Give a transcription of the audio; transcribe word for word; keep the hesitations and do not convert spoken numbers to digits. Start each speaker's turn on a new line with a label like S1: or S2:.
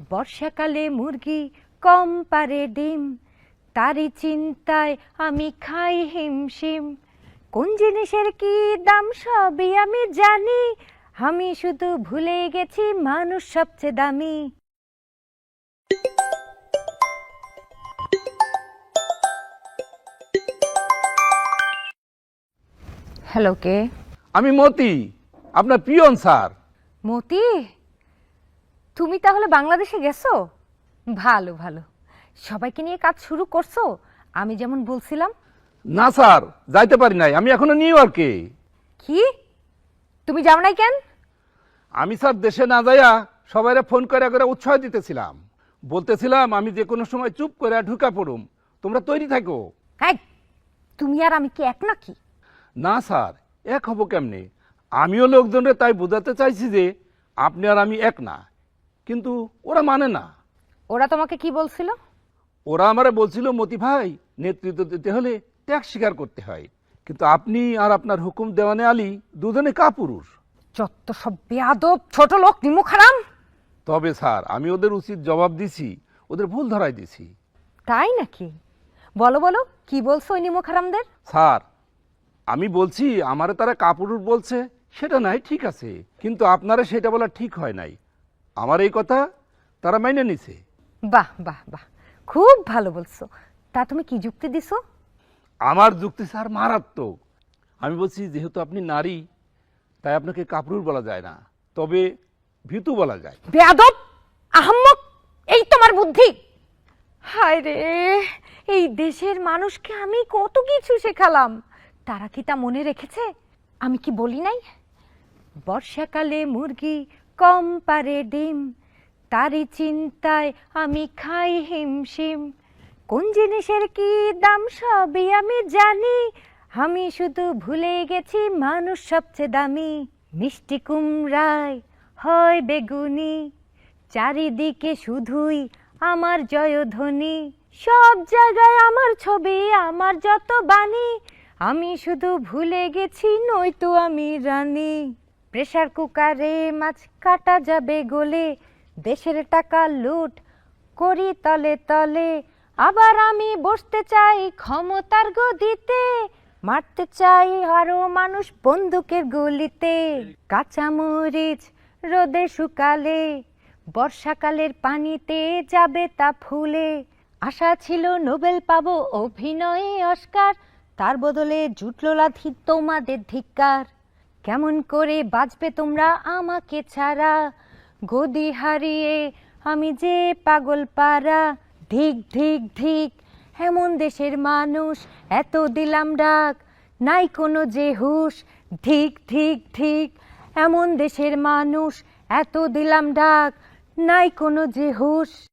S1: বর্ষাকালে মুরগি কম পারে ডিম, তারই চিন্তায় আমি খাই হিমশিম। কোন জিনিসের কি দাম সবই আমি জানি, আমি শুধু ভুলে গেছি মানুষ সবচেয়ে দামি। হ্যালো, কে?
S2: আমি মতি, আপনার পিয়ন স্যার।
S1: মতি, তুমি তাহলে বাংলাদেশে গেছো? ভালো ভালো, সবাইকে নিয়ে কাজ শুরু করছো আমি যেমন বলছিলাম?
S2: না স্যার, যাইতে পারি নাই, আমি এখনো নিউ ইয়র্কে।
S1: কি, তুমি যাও নাই কেন?
S2: আমি স্যার দেশে না যাইয়া সবাইরে ফোন করে করে উৎসাহ দিতেছিলাম, বলতেছিলাম আমি যে কোনো সময় চুপ করে ঢুকা পড়ুম, তোমরা তৈরি থাকো।
S1: হ্যাঁ, তুমি আর আমি কি এক নাকি?
S2: না স্যার, এক হব কেমনে? আমিও লোকজনরে তাই বোঝাতে চাইছি যে আপনি আর আমি এক না, কিন্তু ওরা মানে না।
S1: ওরা তোমাকে কি বলছিল?
S2: ওরা আমারে বলছিল মতি ভাই, নেতৃত্ব দিতে হলে ত্যাগ স্বীকার করতে হয়, কিন্তু আপনি আর আপনার হুকুম দেওয়ানে আলী দুজনে কাপুরুষ।
S1: যত সব বেয়াদব ছোট লোক, নিমুখ হারাম।
S2: তবে স্যার, আমি ওদের উচিত জবাব দিছি, ওদের ভুল ধরাই দিছি।
S1: তাই নাকি? বলো বলো, কি বলছো ওই নিমুখ হারামদের?
S2: স্যার, আমি বলছি আমারে তারা কাপুরুষ বলছে, সেটা নাই ঠিক আছে, কিন্তু আপনারা সেটা বলা ঠিক হয় নাই। আমার এই কথা তারা মাইনে নিছে।
S1: বাহ বাহ বাহ, খুব ভালো বলছো। তা তুমি কি যুক্তি দিছো?
S2: আমার যুক্তি স্যার মারাত্মক। আমি বলছি যেহেতু আপনি নারী, তাই আপনাকে কাপুরুষ বলা যায় না, তবে ভীতু বলা যায়।
S1: বেয়াদব, আহাম্মক, এই তোমার বুদ্ধি? হায় রে, এই দেশের মানুষকে আমি কত কিছু শেখালাম, তারা কি তা মনে রেখেছে? আমি কি বলি নাই? বর্ষাকালে মুরগি কম পারে ডিম, তারই চিন্তায় আমি খাই হিমশিম। কোন জিনিসের কি দাম সবই আমি জানি, আমি শুধু ভুলে গেছি মানুষ সবচেয়ে দামি। মিষ্টি কুমড়ায় হয় বেগুনি, চারিদিকে শুধুই আমার জয়ধ্বনি। সব জায়গায় আমার ছবি, আমার যত বাণী, আমি শুধু ভুলে গেছি নয়তো আমি রানী। প্রেসার কুকারে মাছ কাটা যাবে গলে, দেশের টাকা লুট করি তলে তলে। আবার আমি বসতে চাই ক্ষমতার গদিতে, মারতে চাই আরো মানুষ বন্দুকের গুলিতে। কাঁচামরিচ রোদে শুকালে, বর্ষাকালের পানিতে যাবে তা ফুলে। আশা ছিল নোবেল পাবো অভিনয়ে অস্কার, তার বদলে জুটলো লাথি তোমাদের ধিক্কার। কেমন করে বাঁচবে তোমরা আমাকে ছাড়া, গদি হারিয়ে আমি যে পাগল পারা। ধিক ধিক ধিক, এমন দেশের মানুষ এত দিলাম ডাক, নাই কোনো যে হুঁশ। ধিক ধিক ধিক, এমন দেশের মানুষ এত দিলাম ডাক, নাই কোনো যে হুঁশ।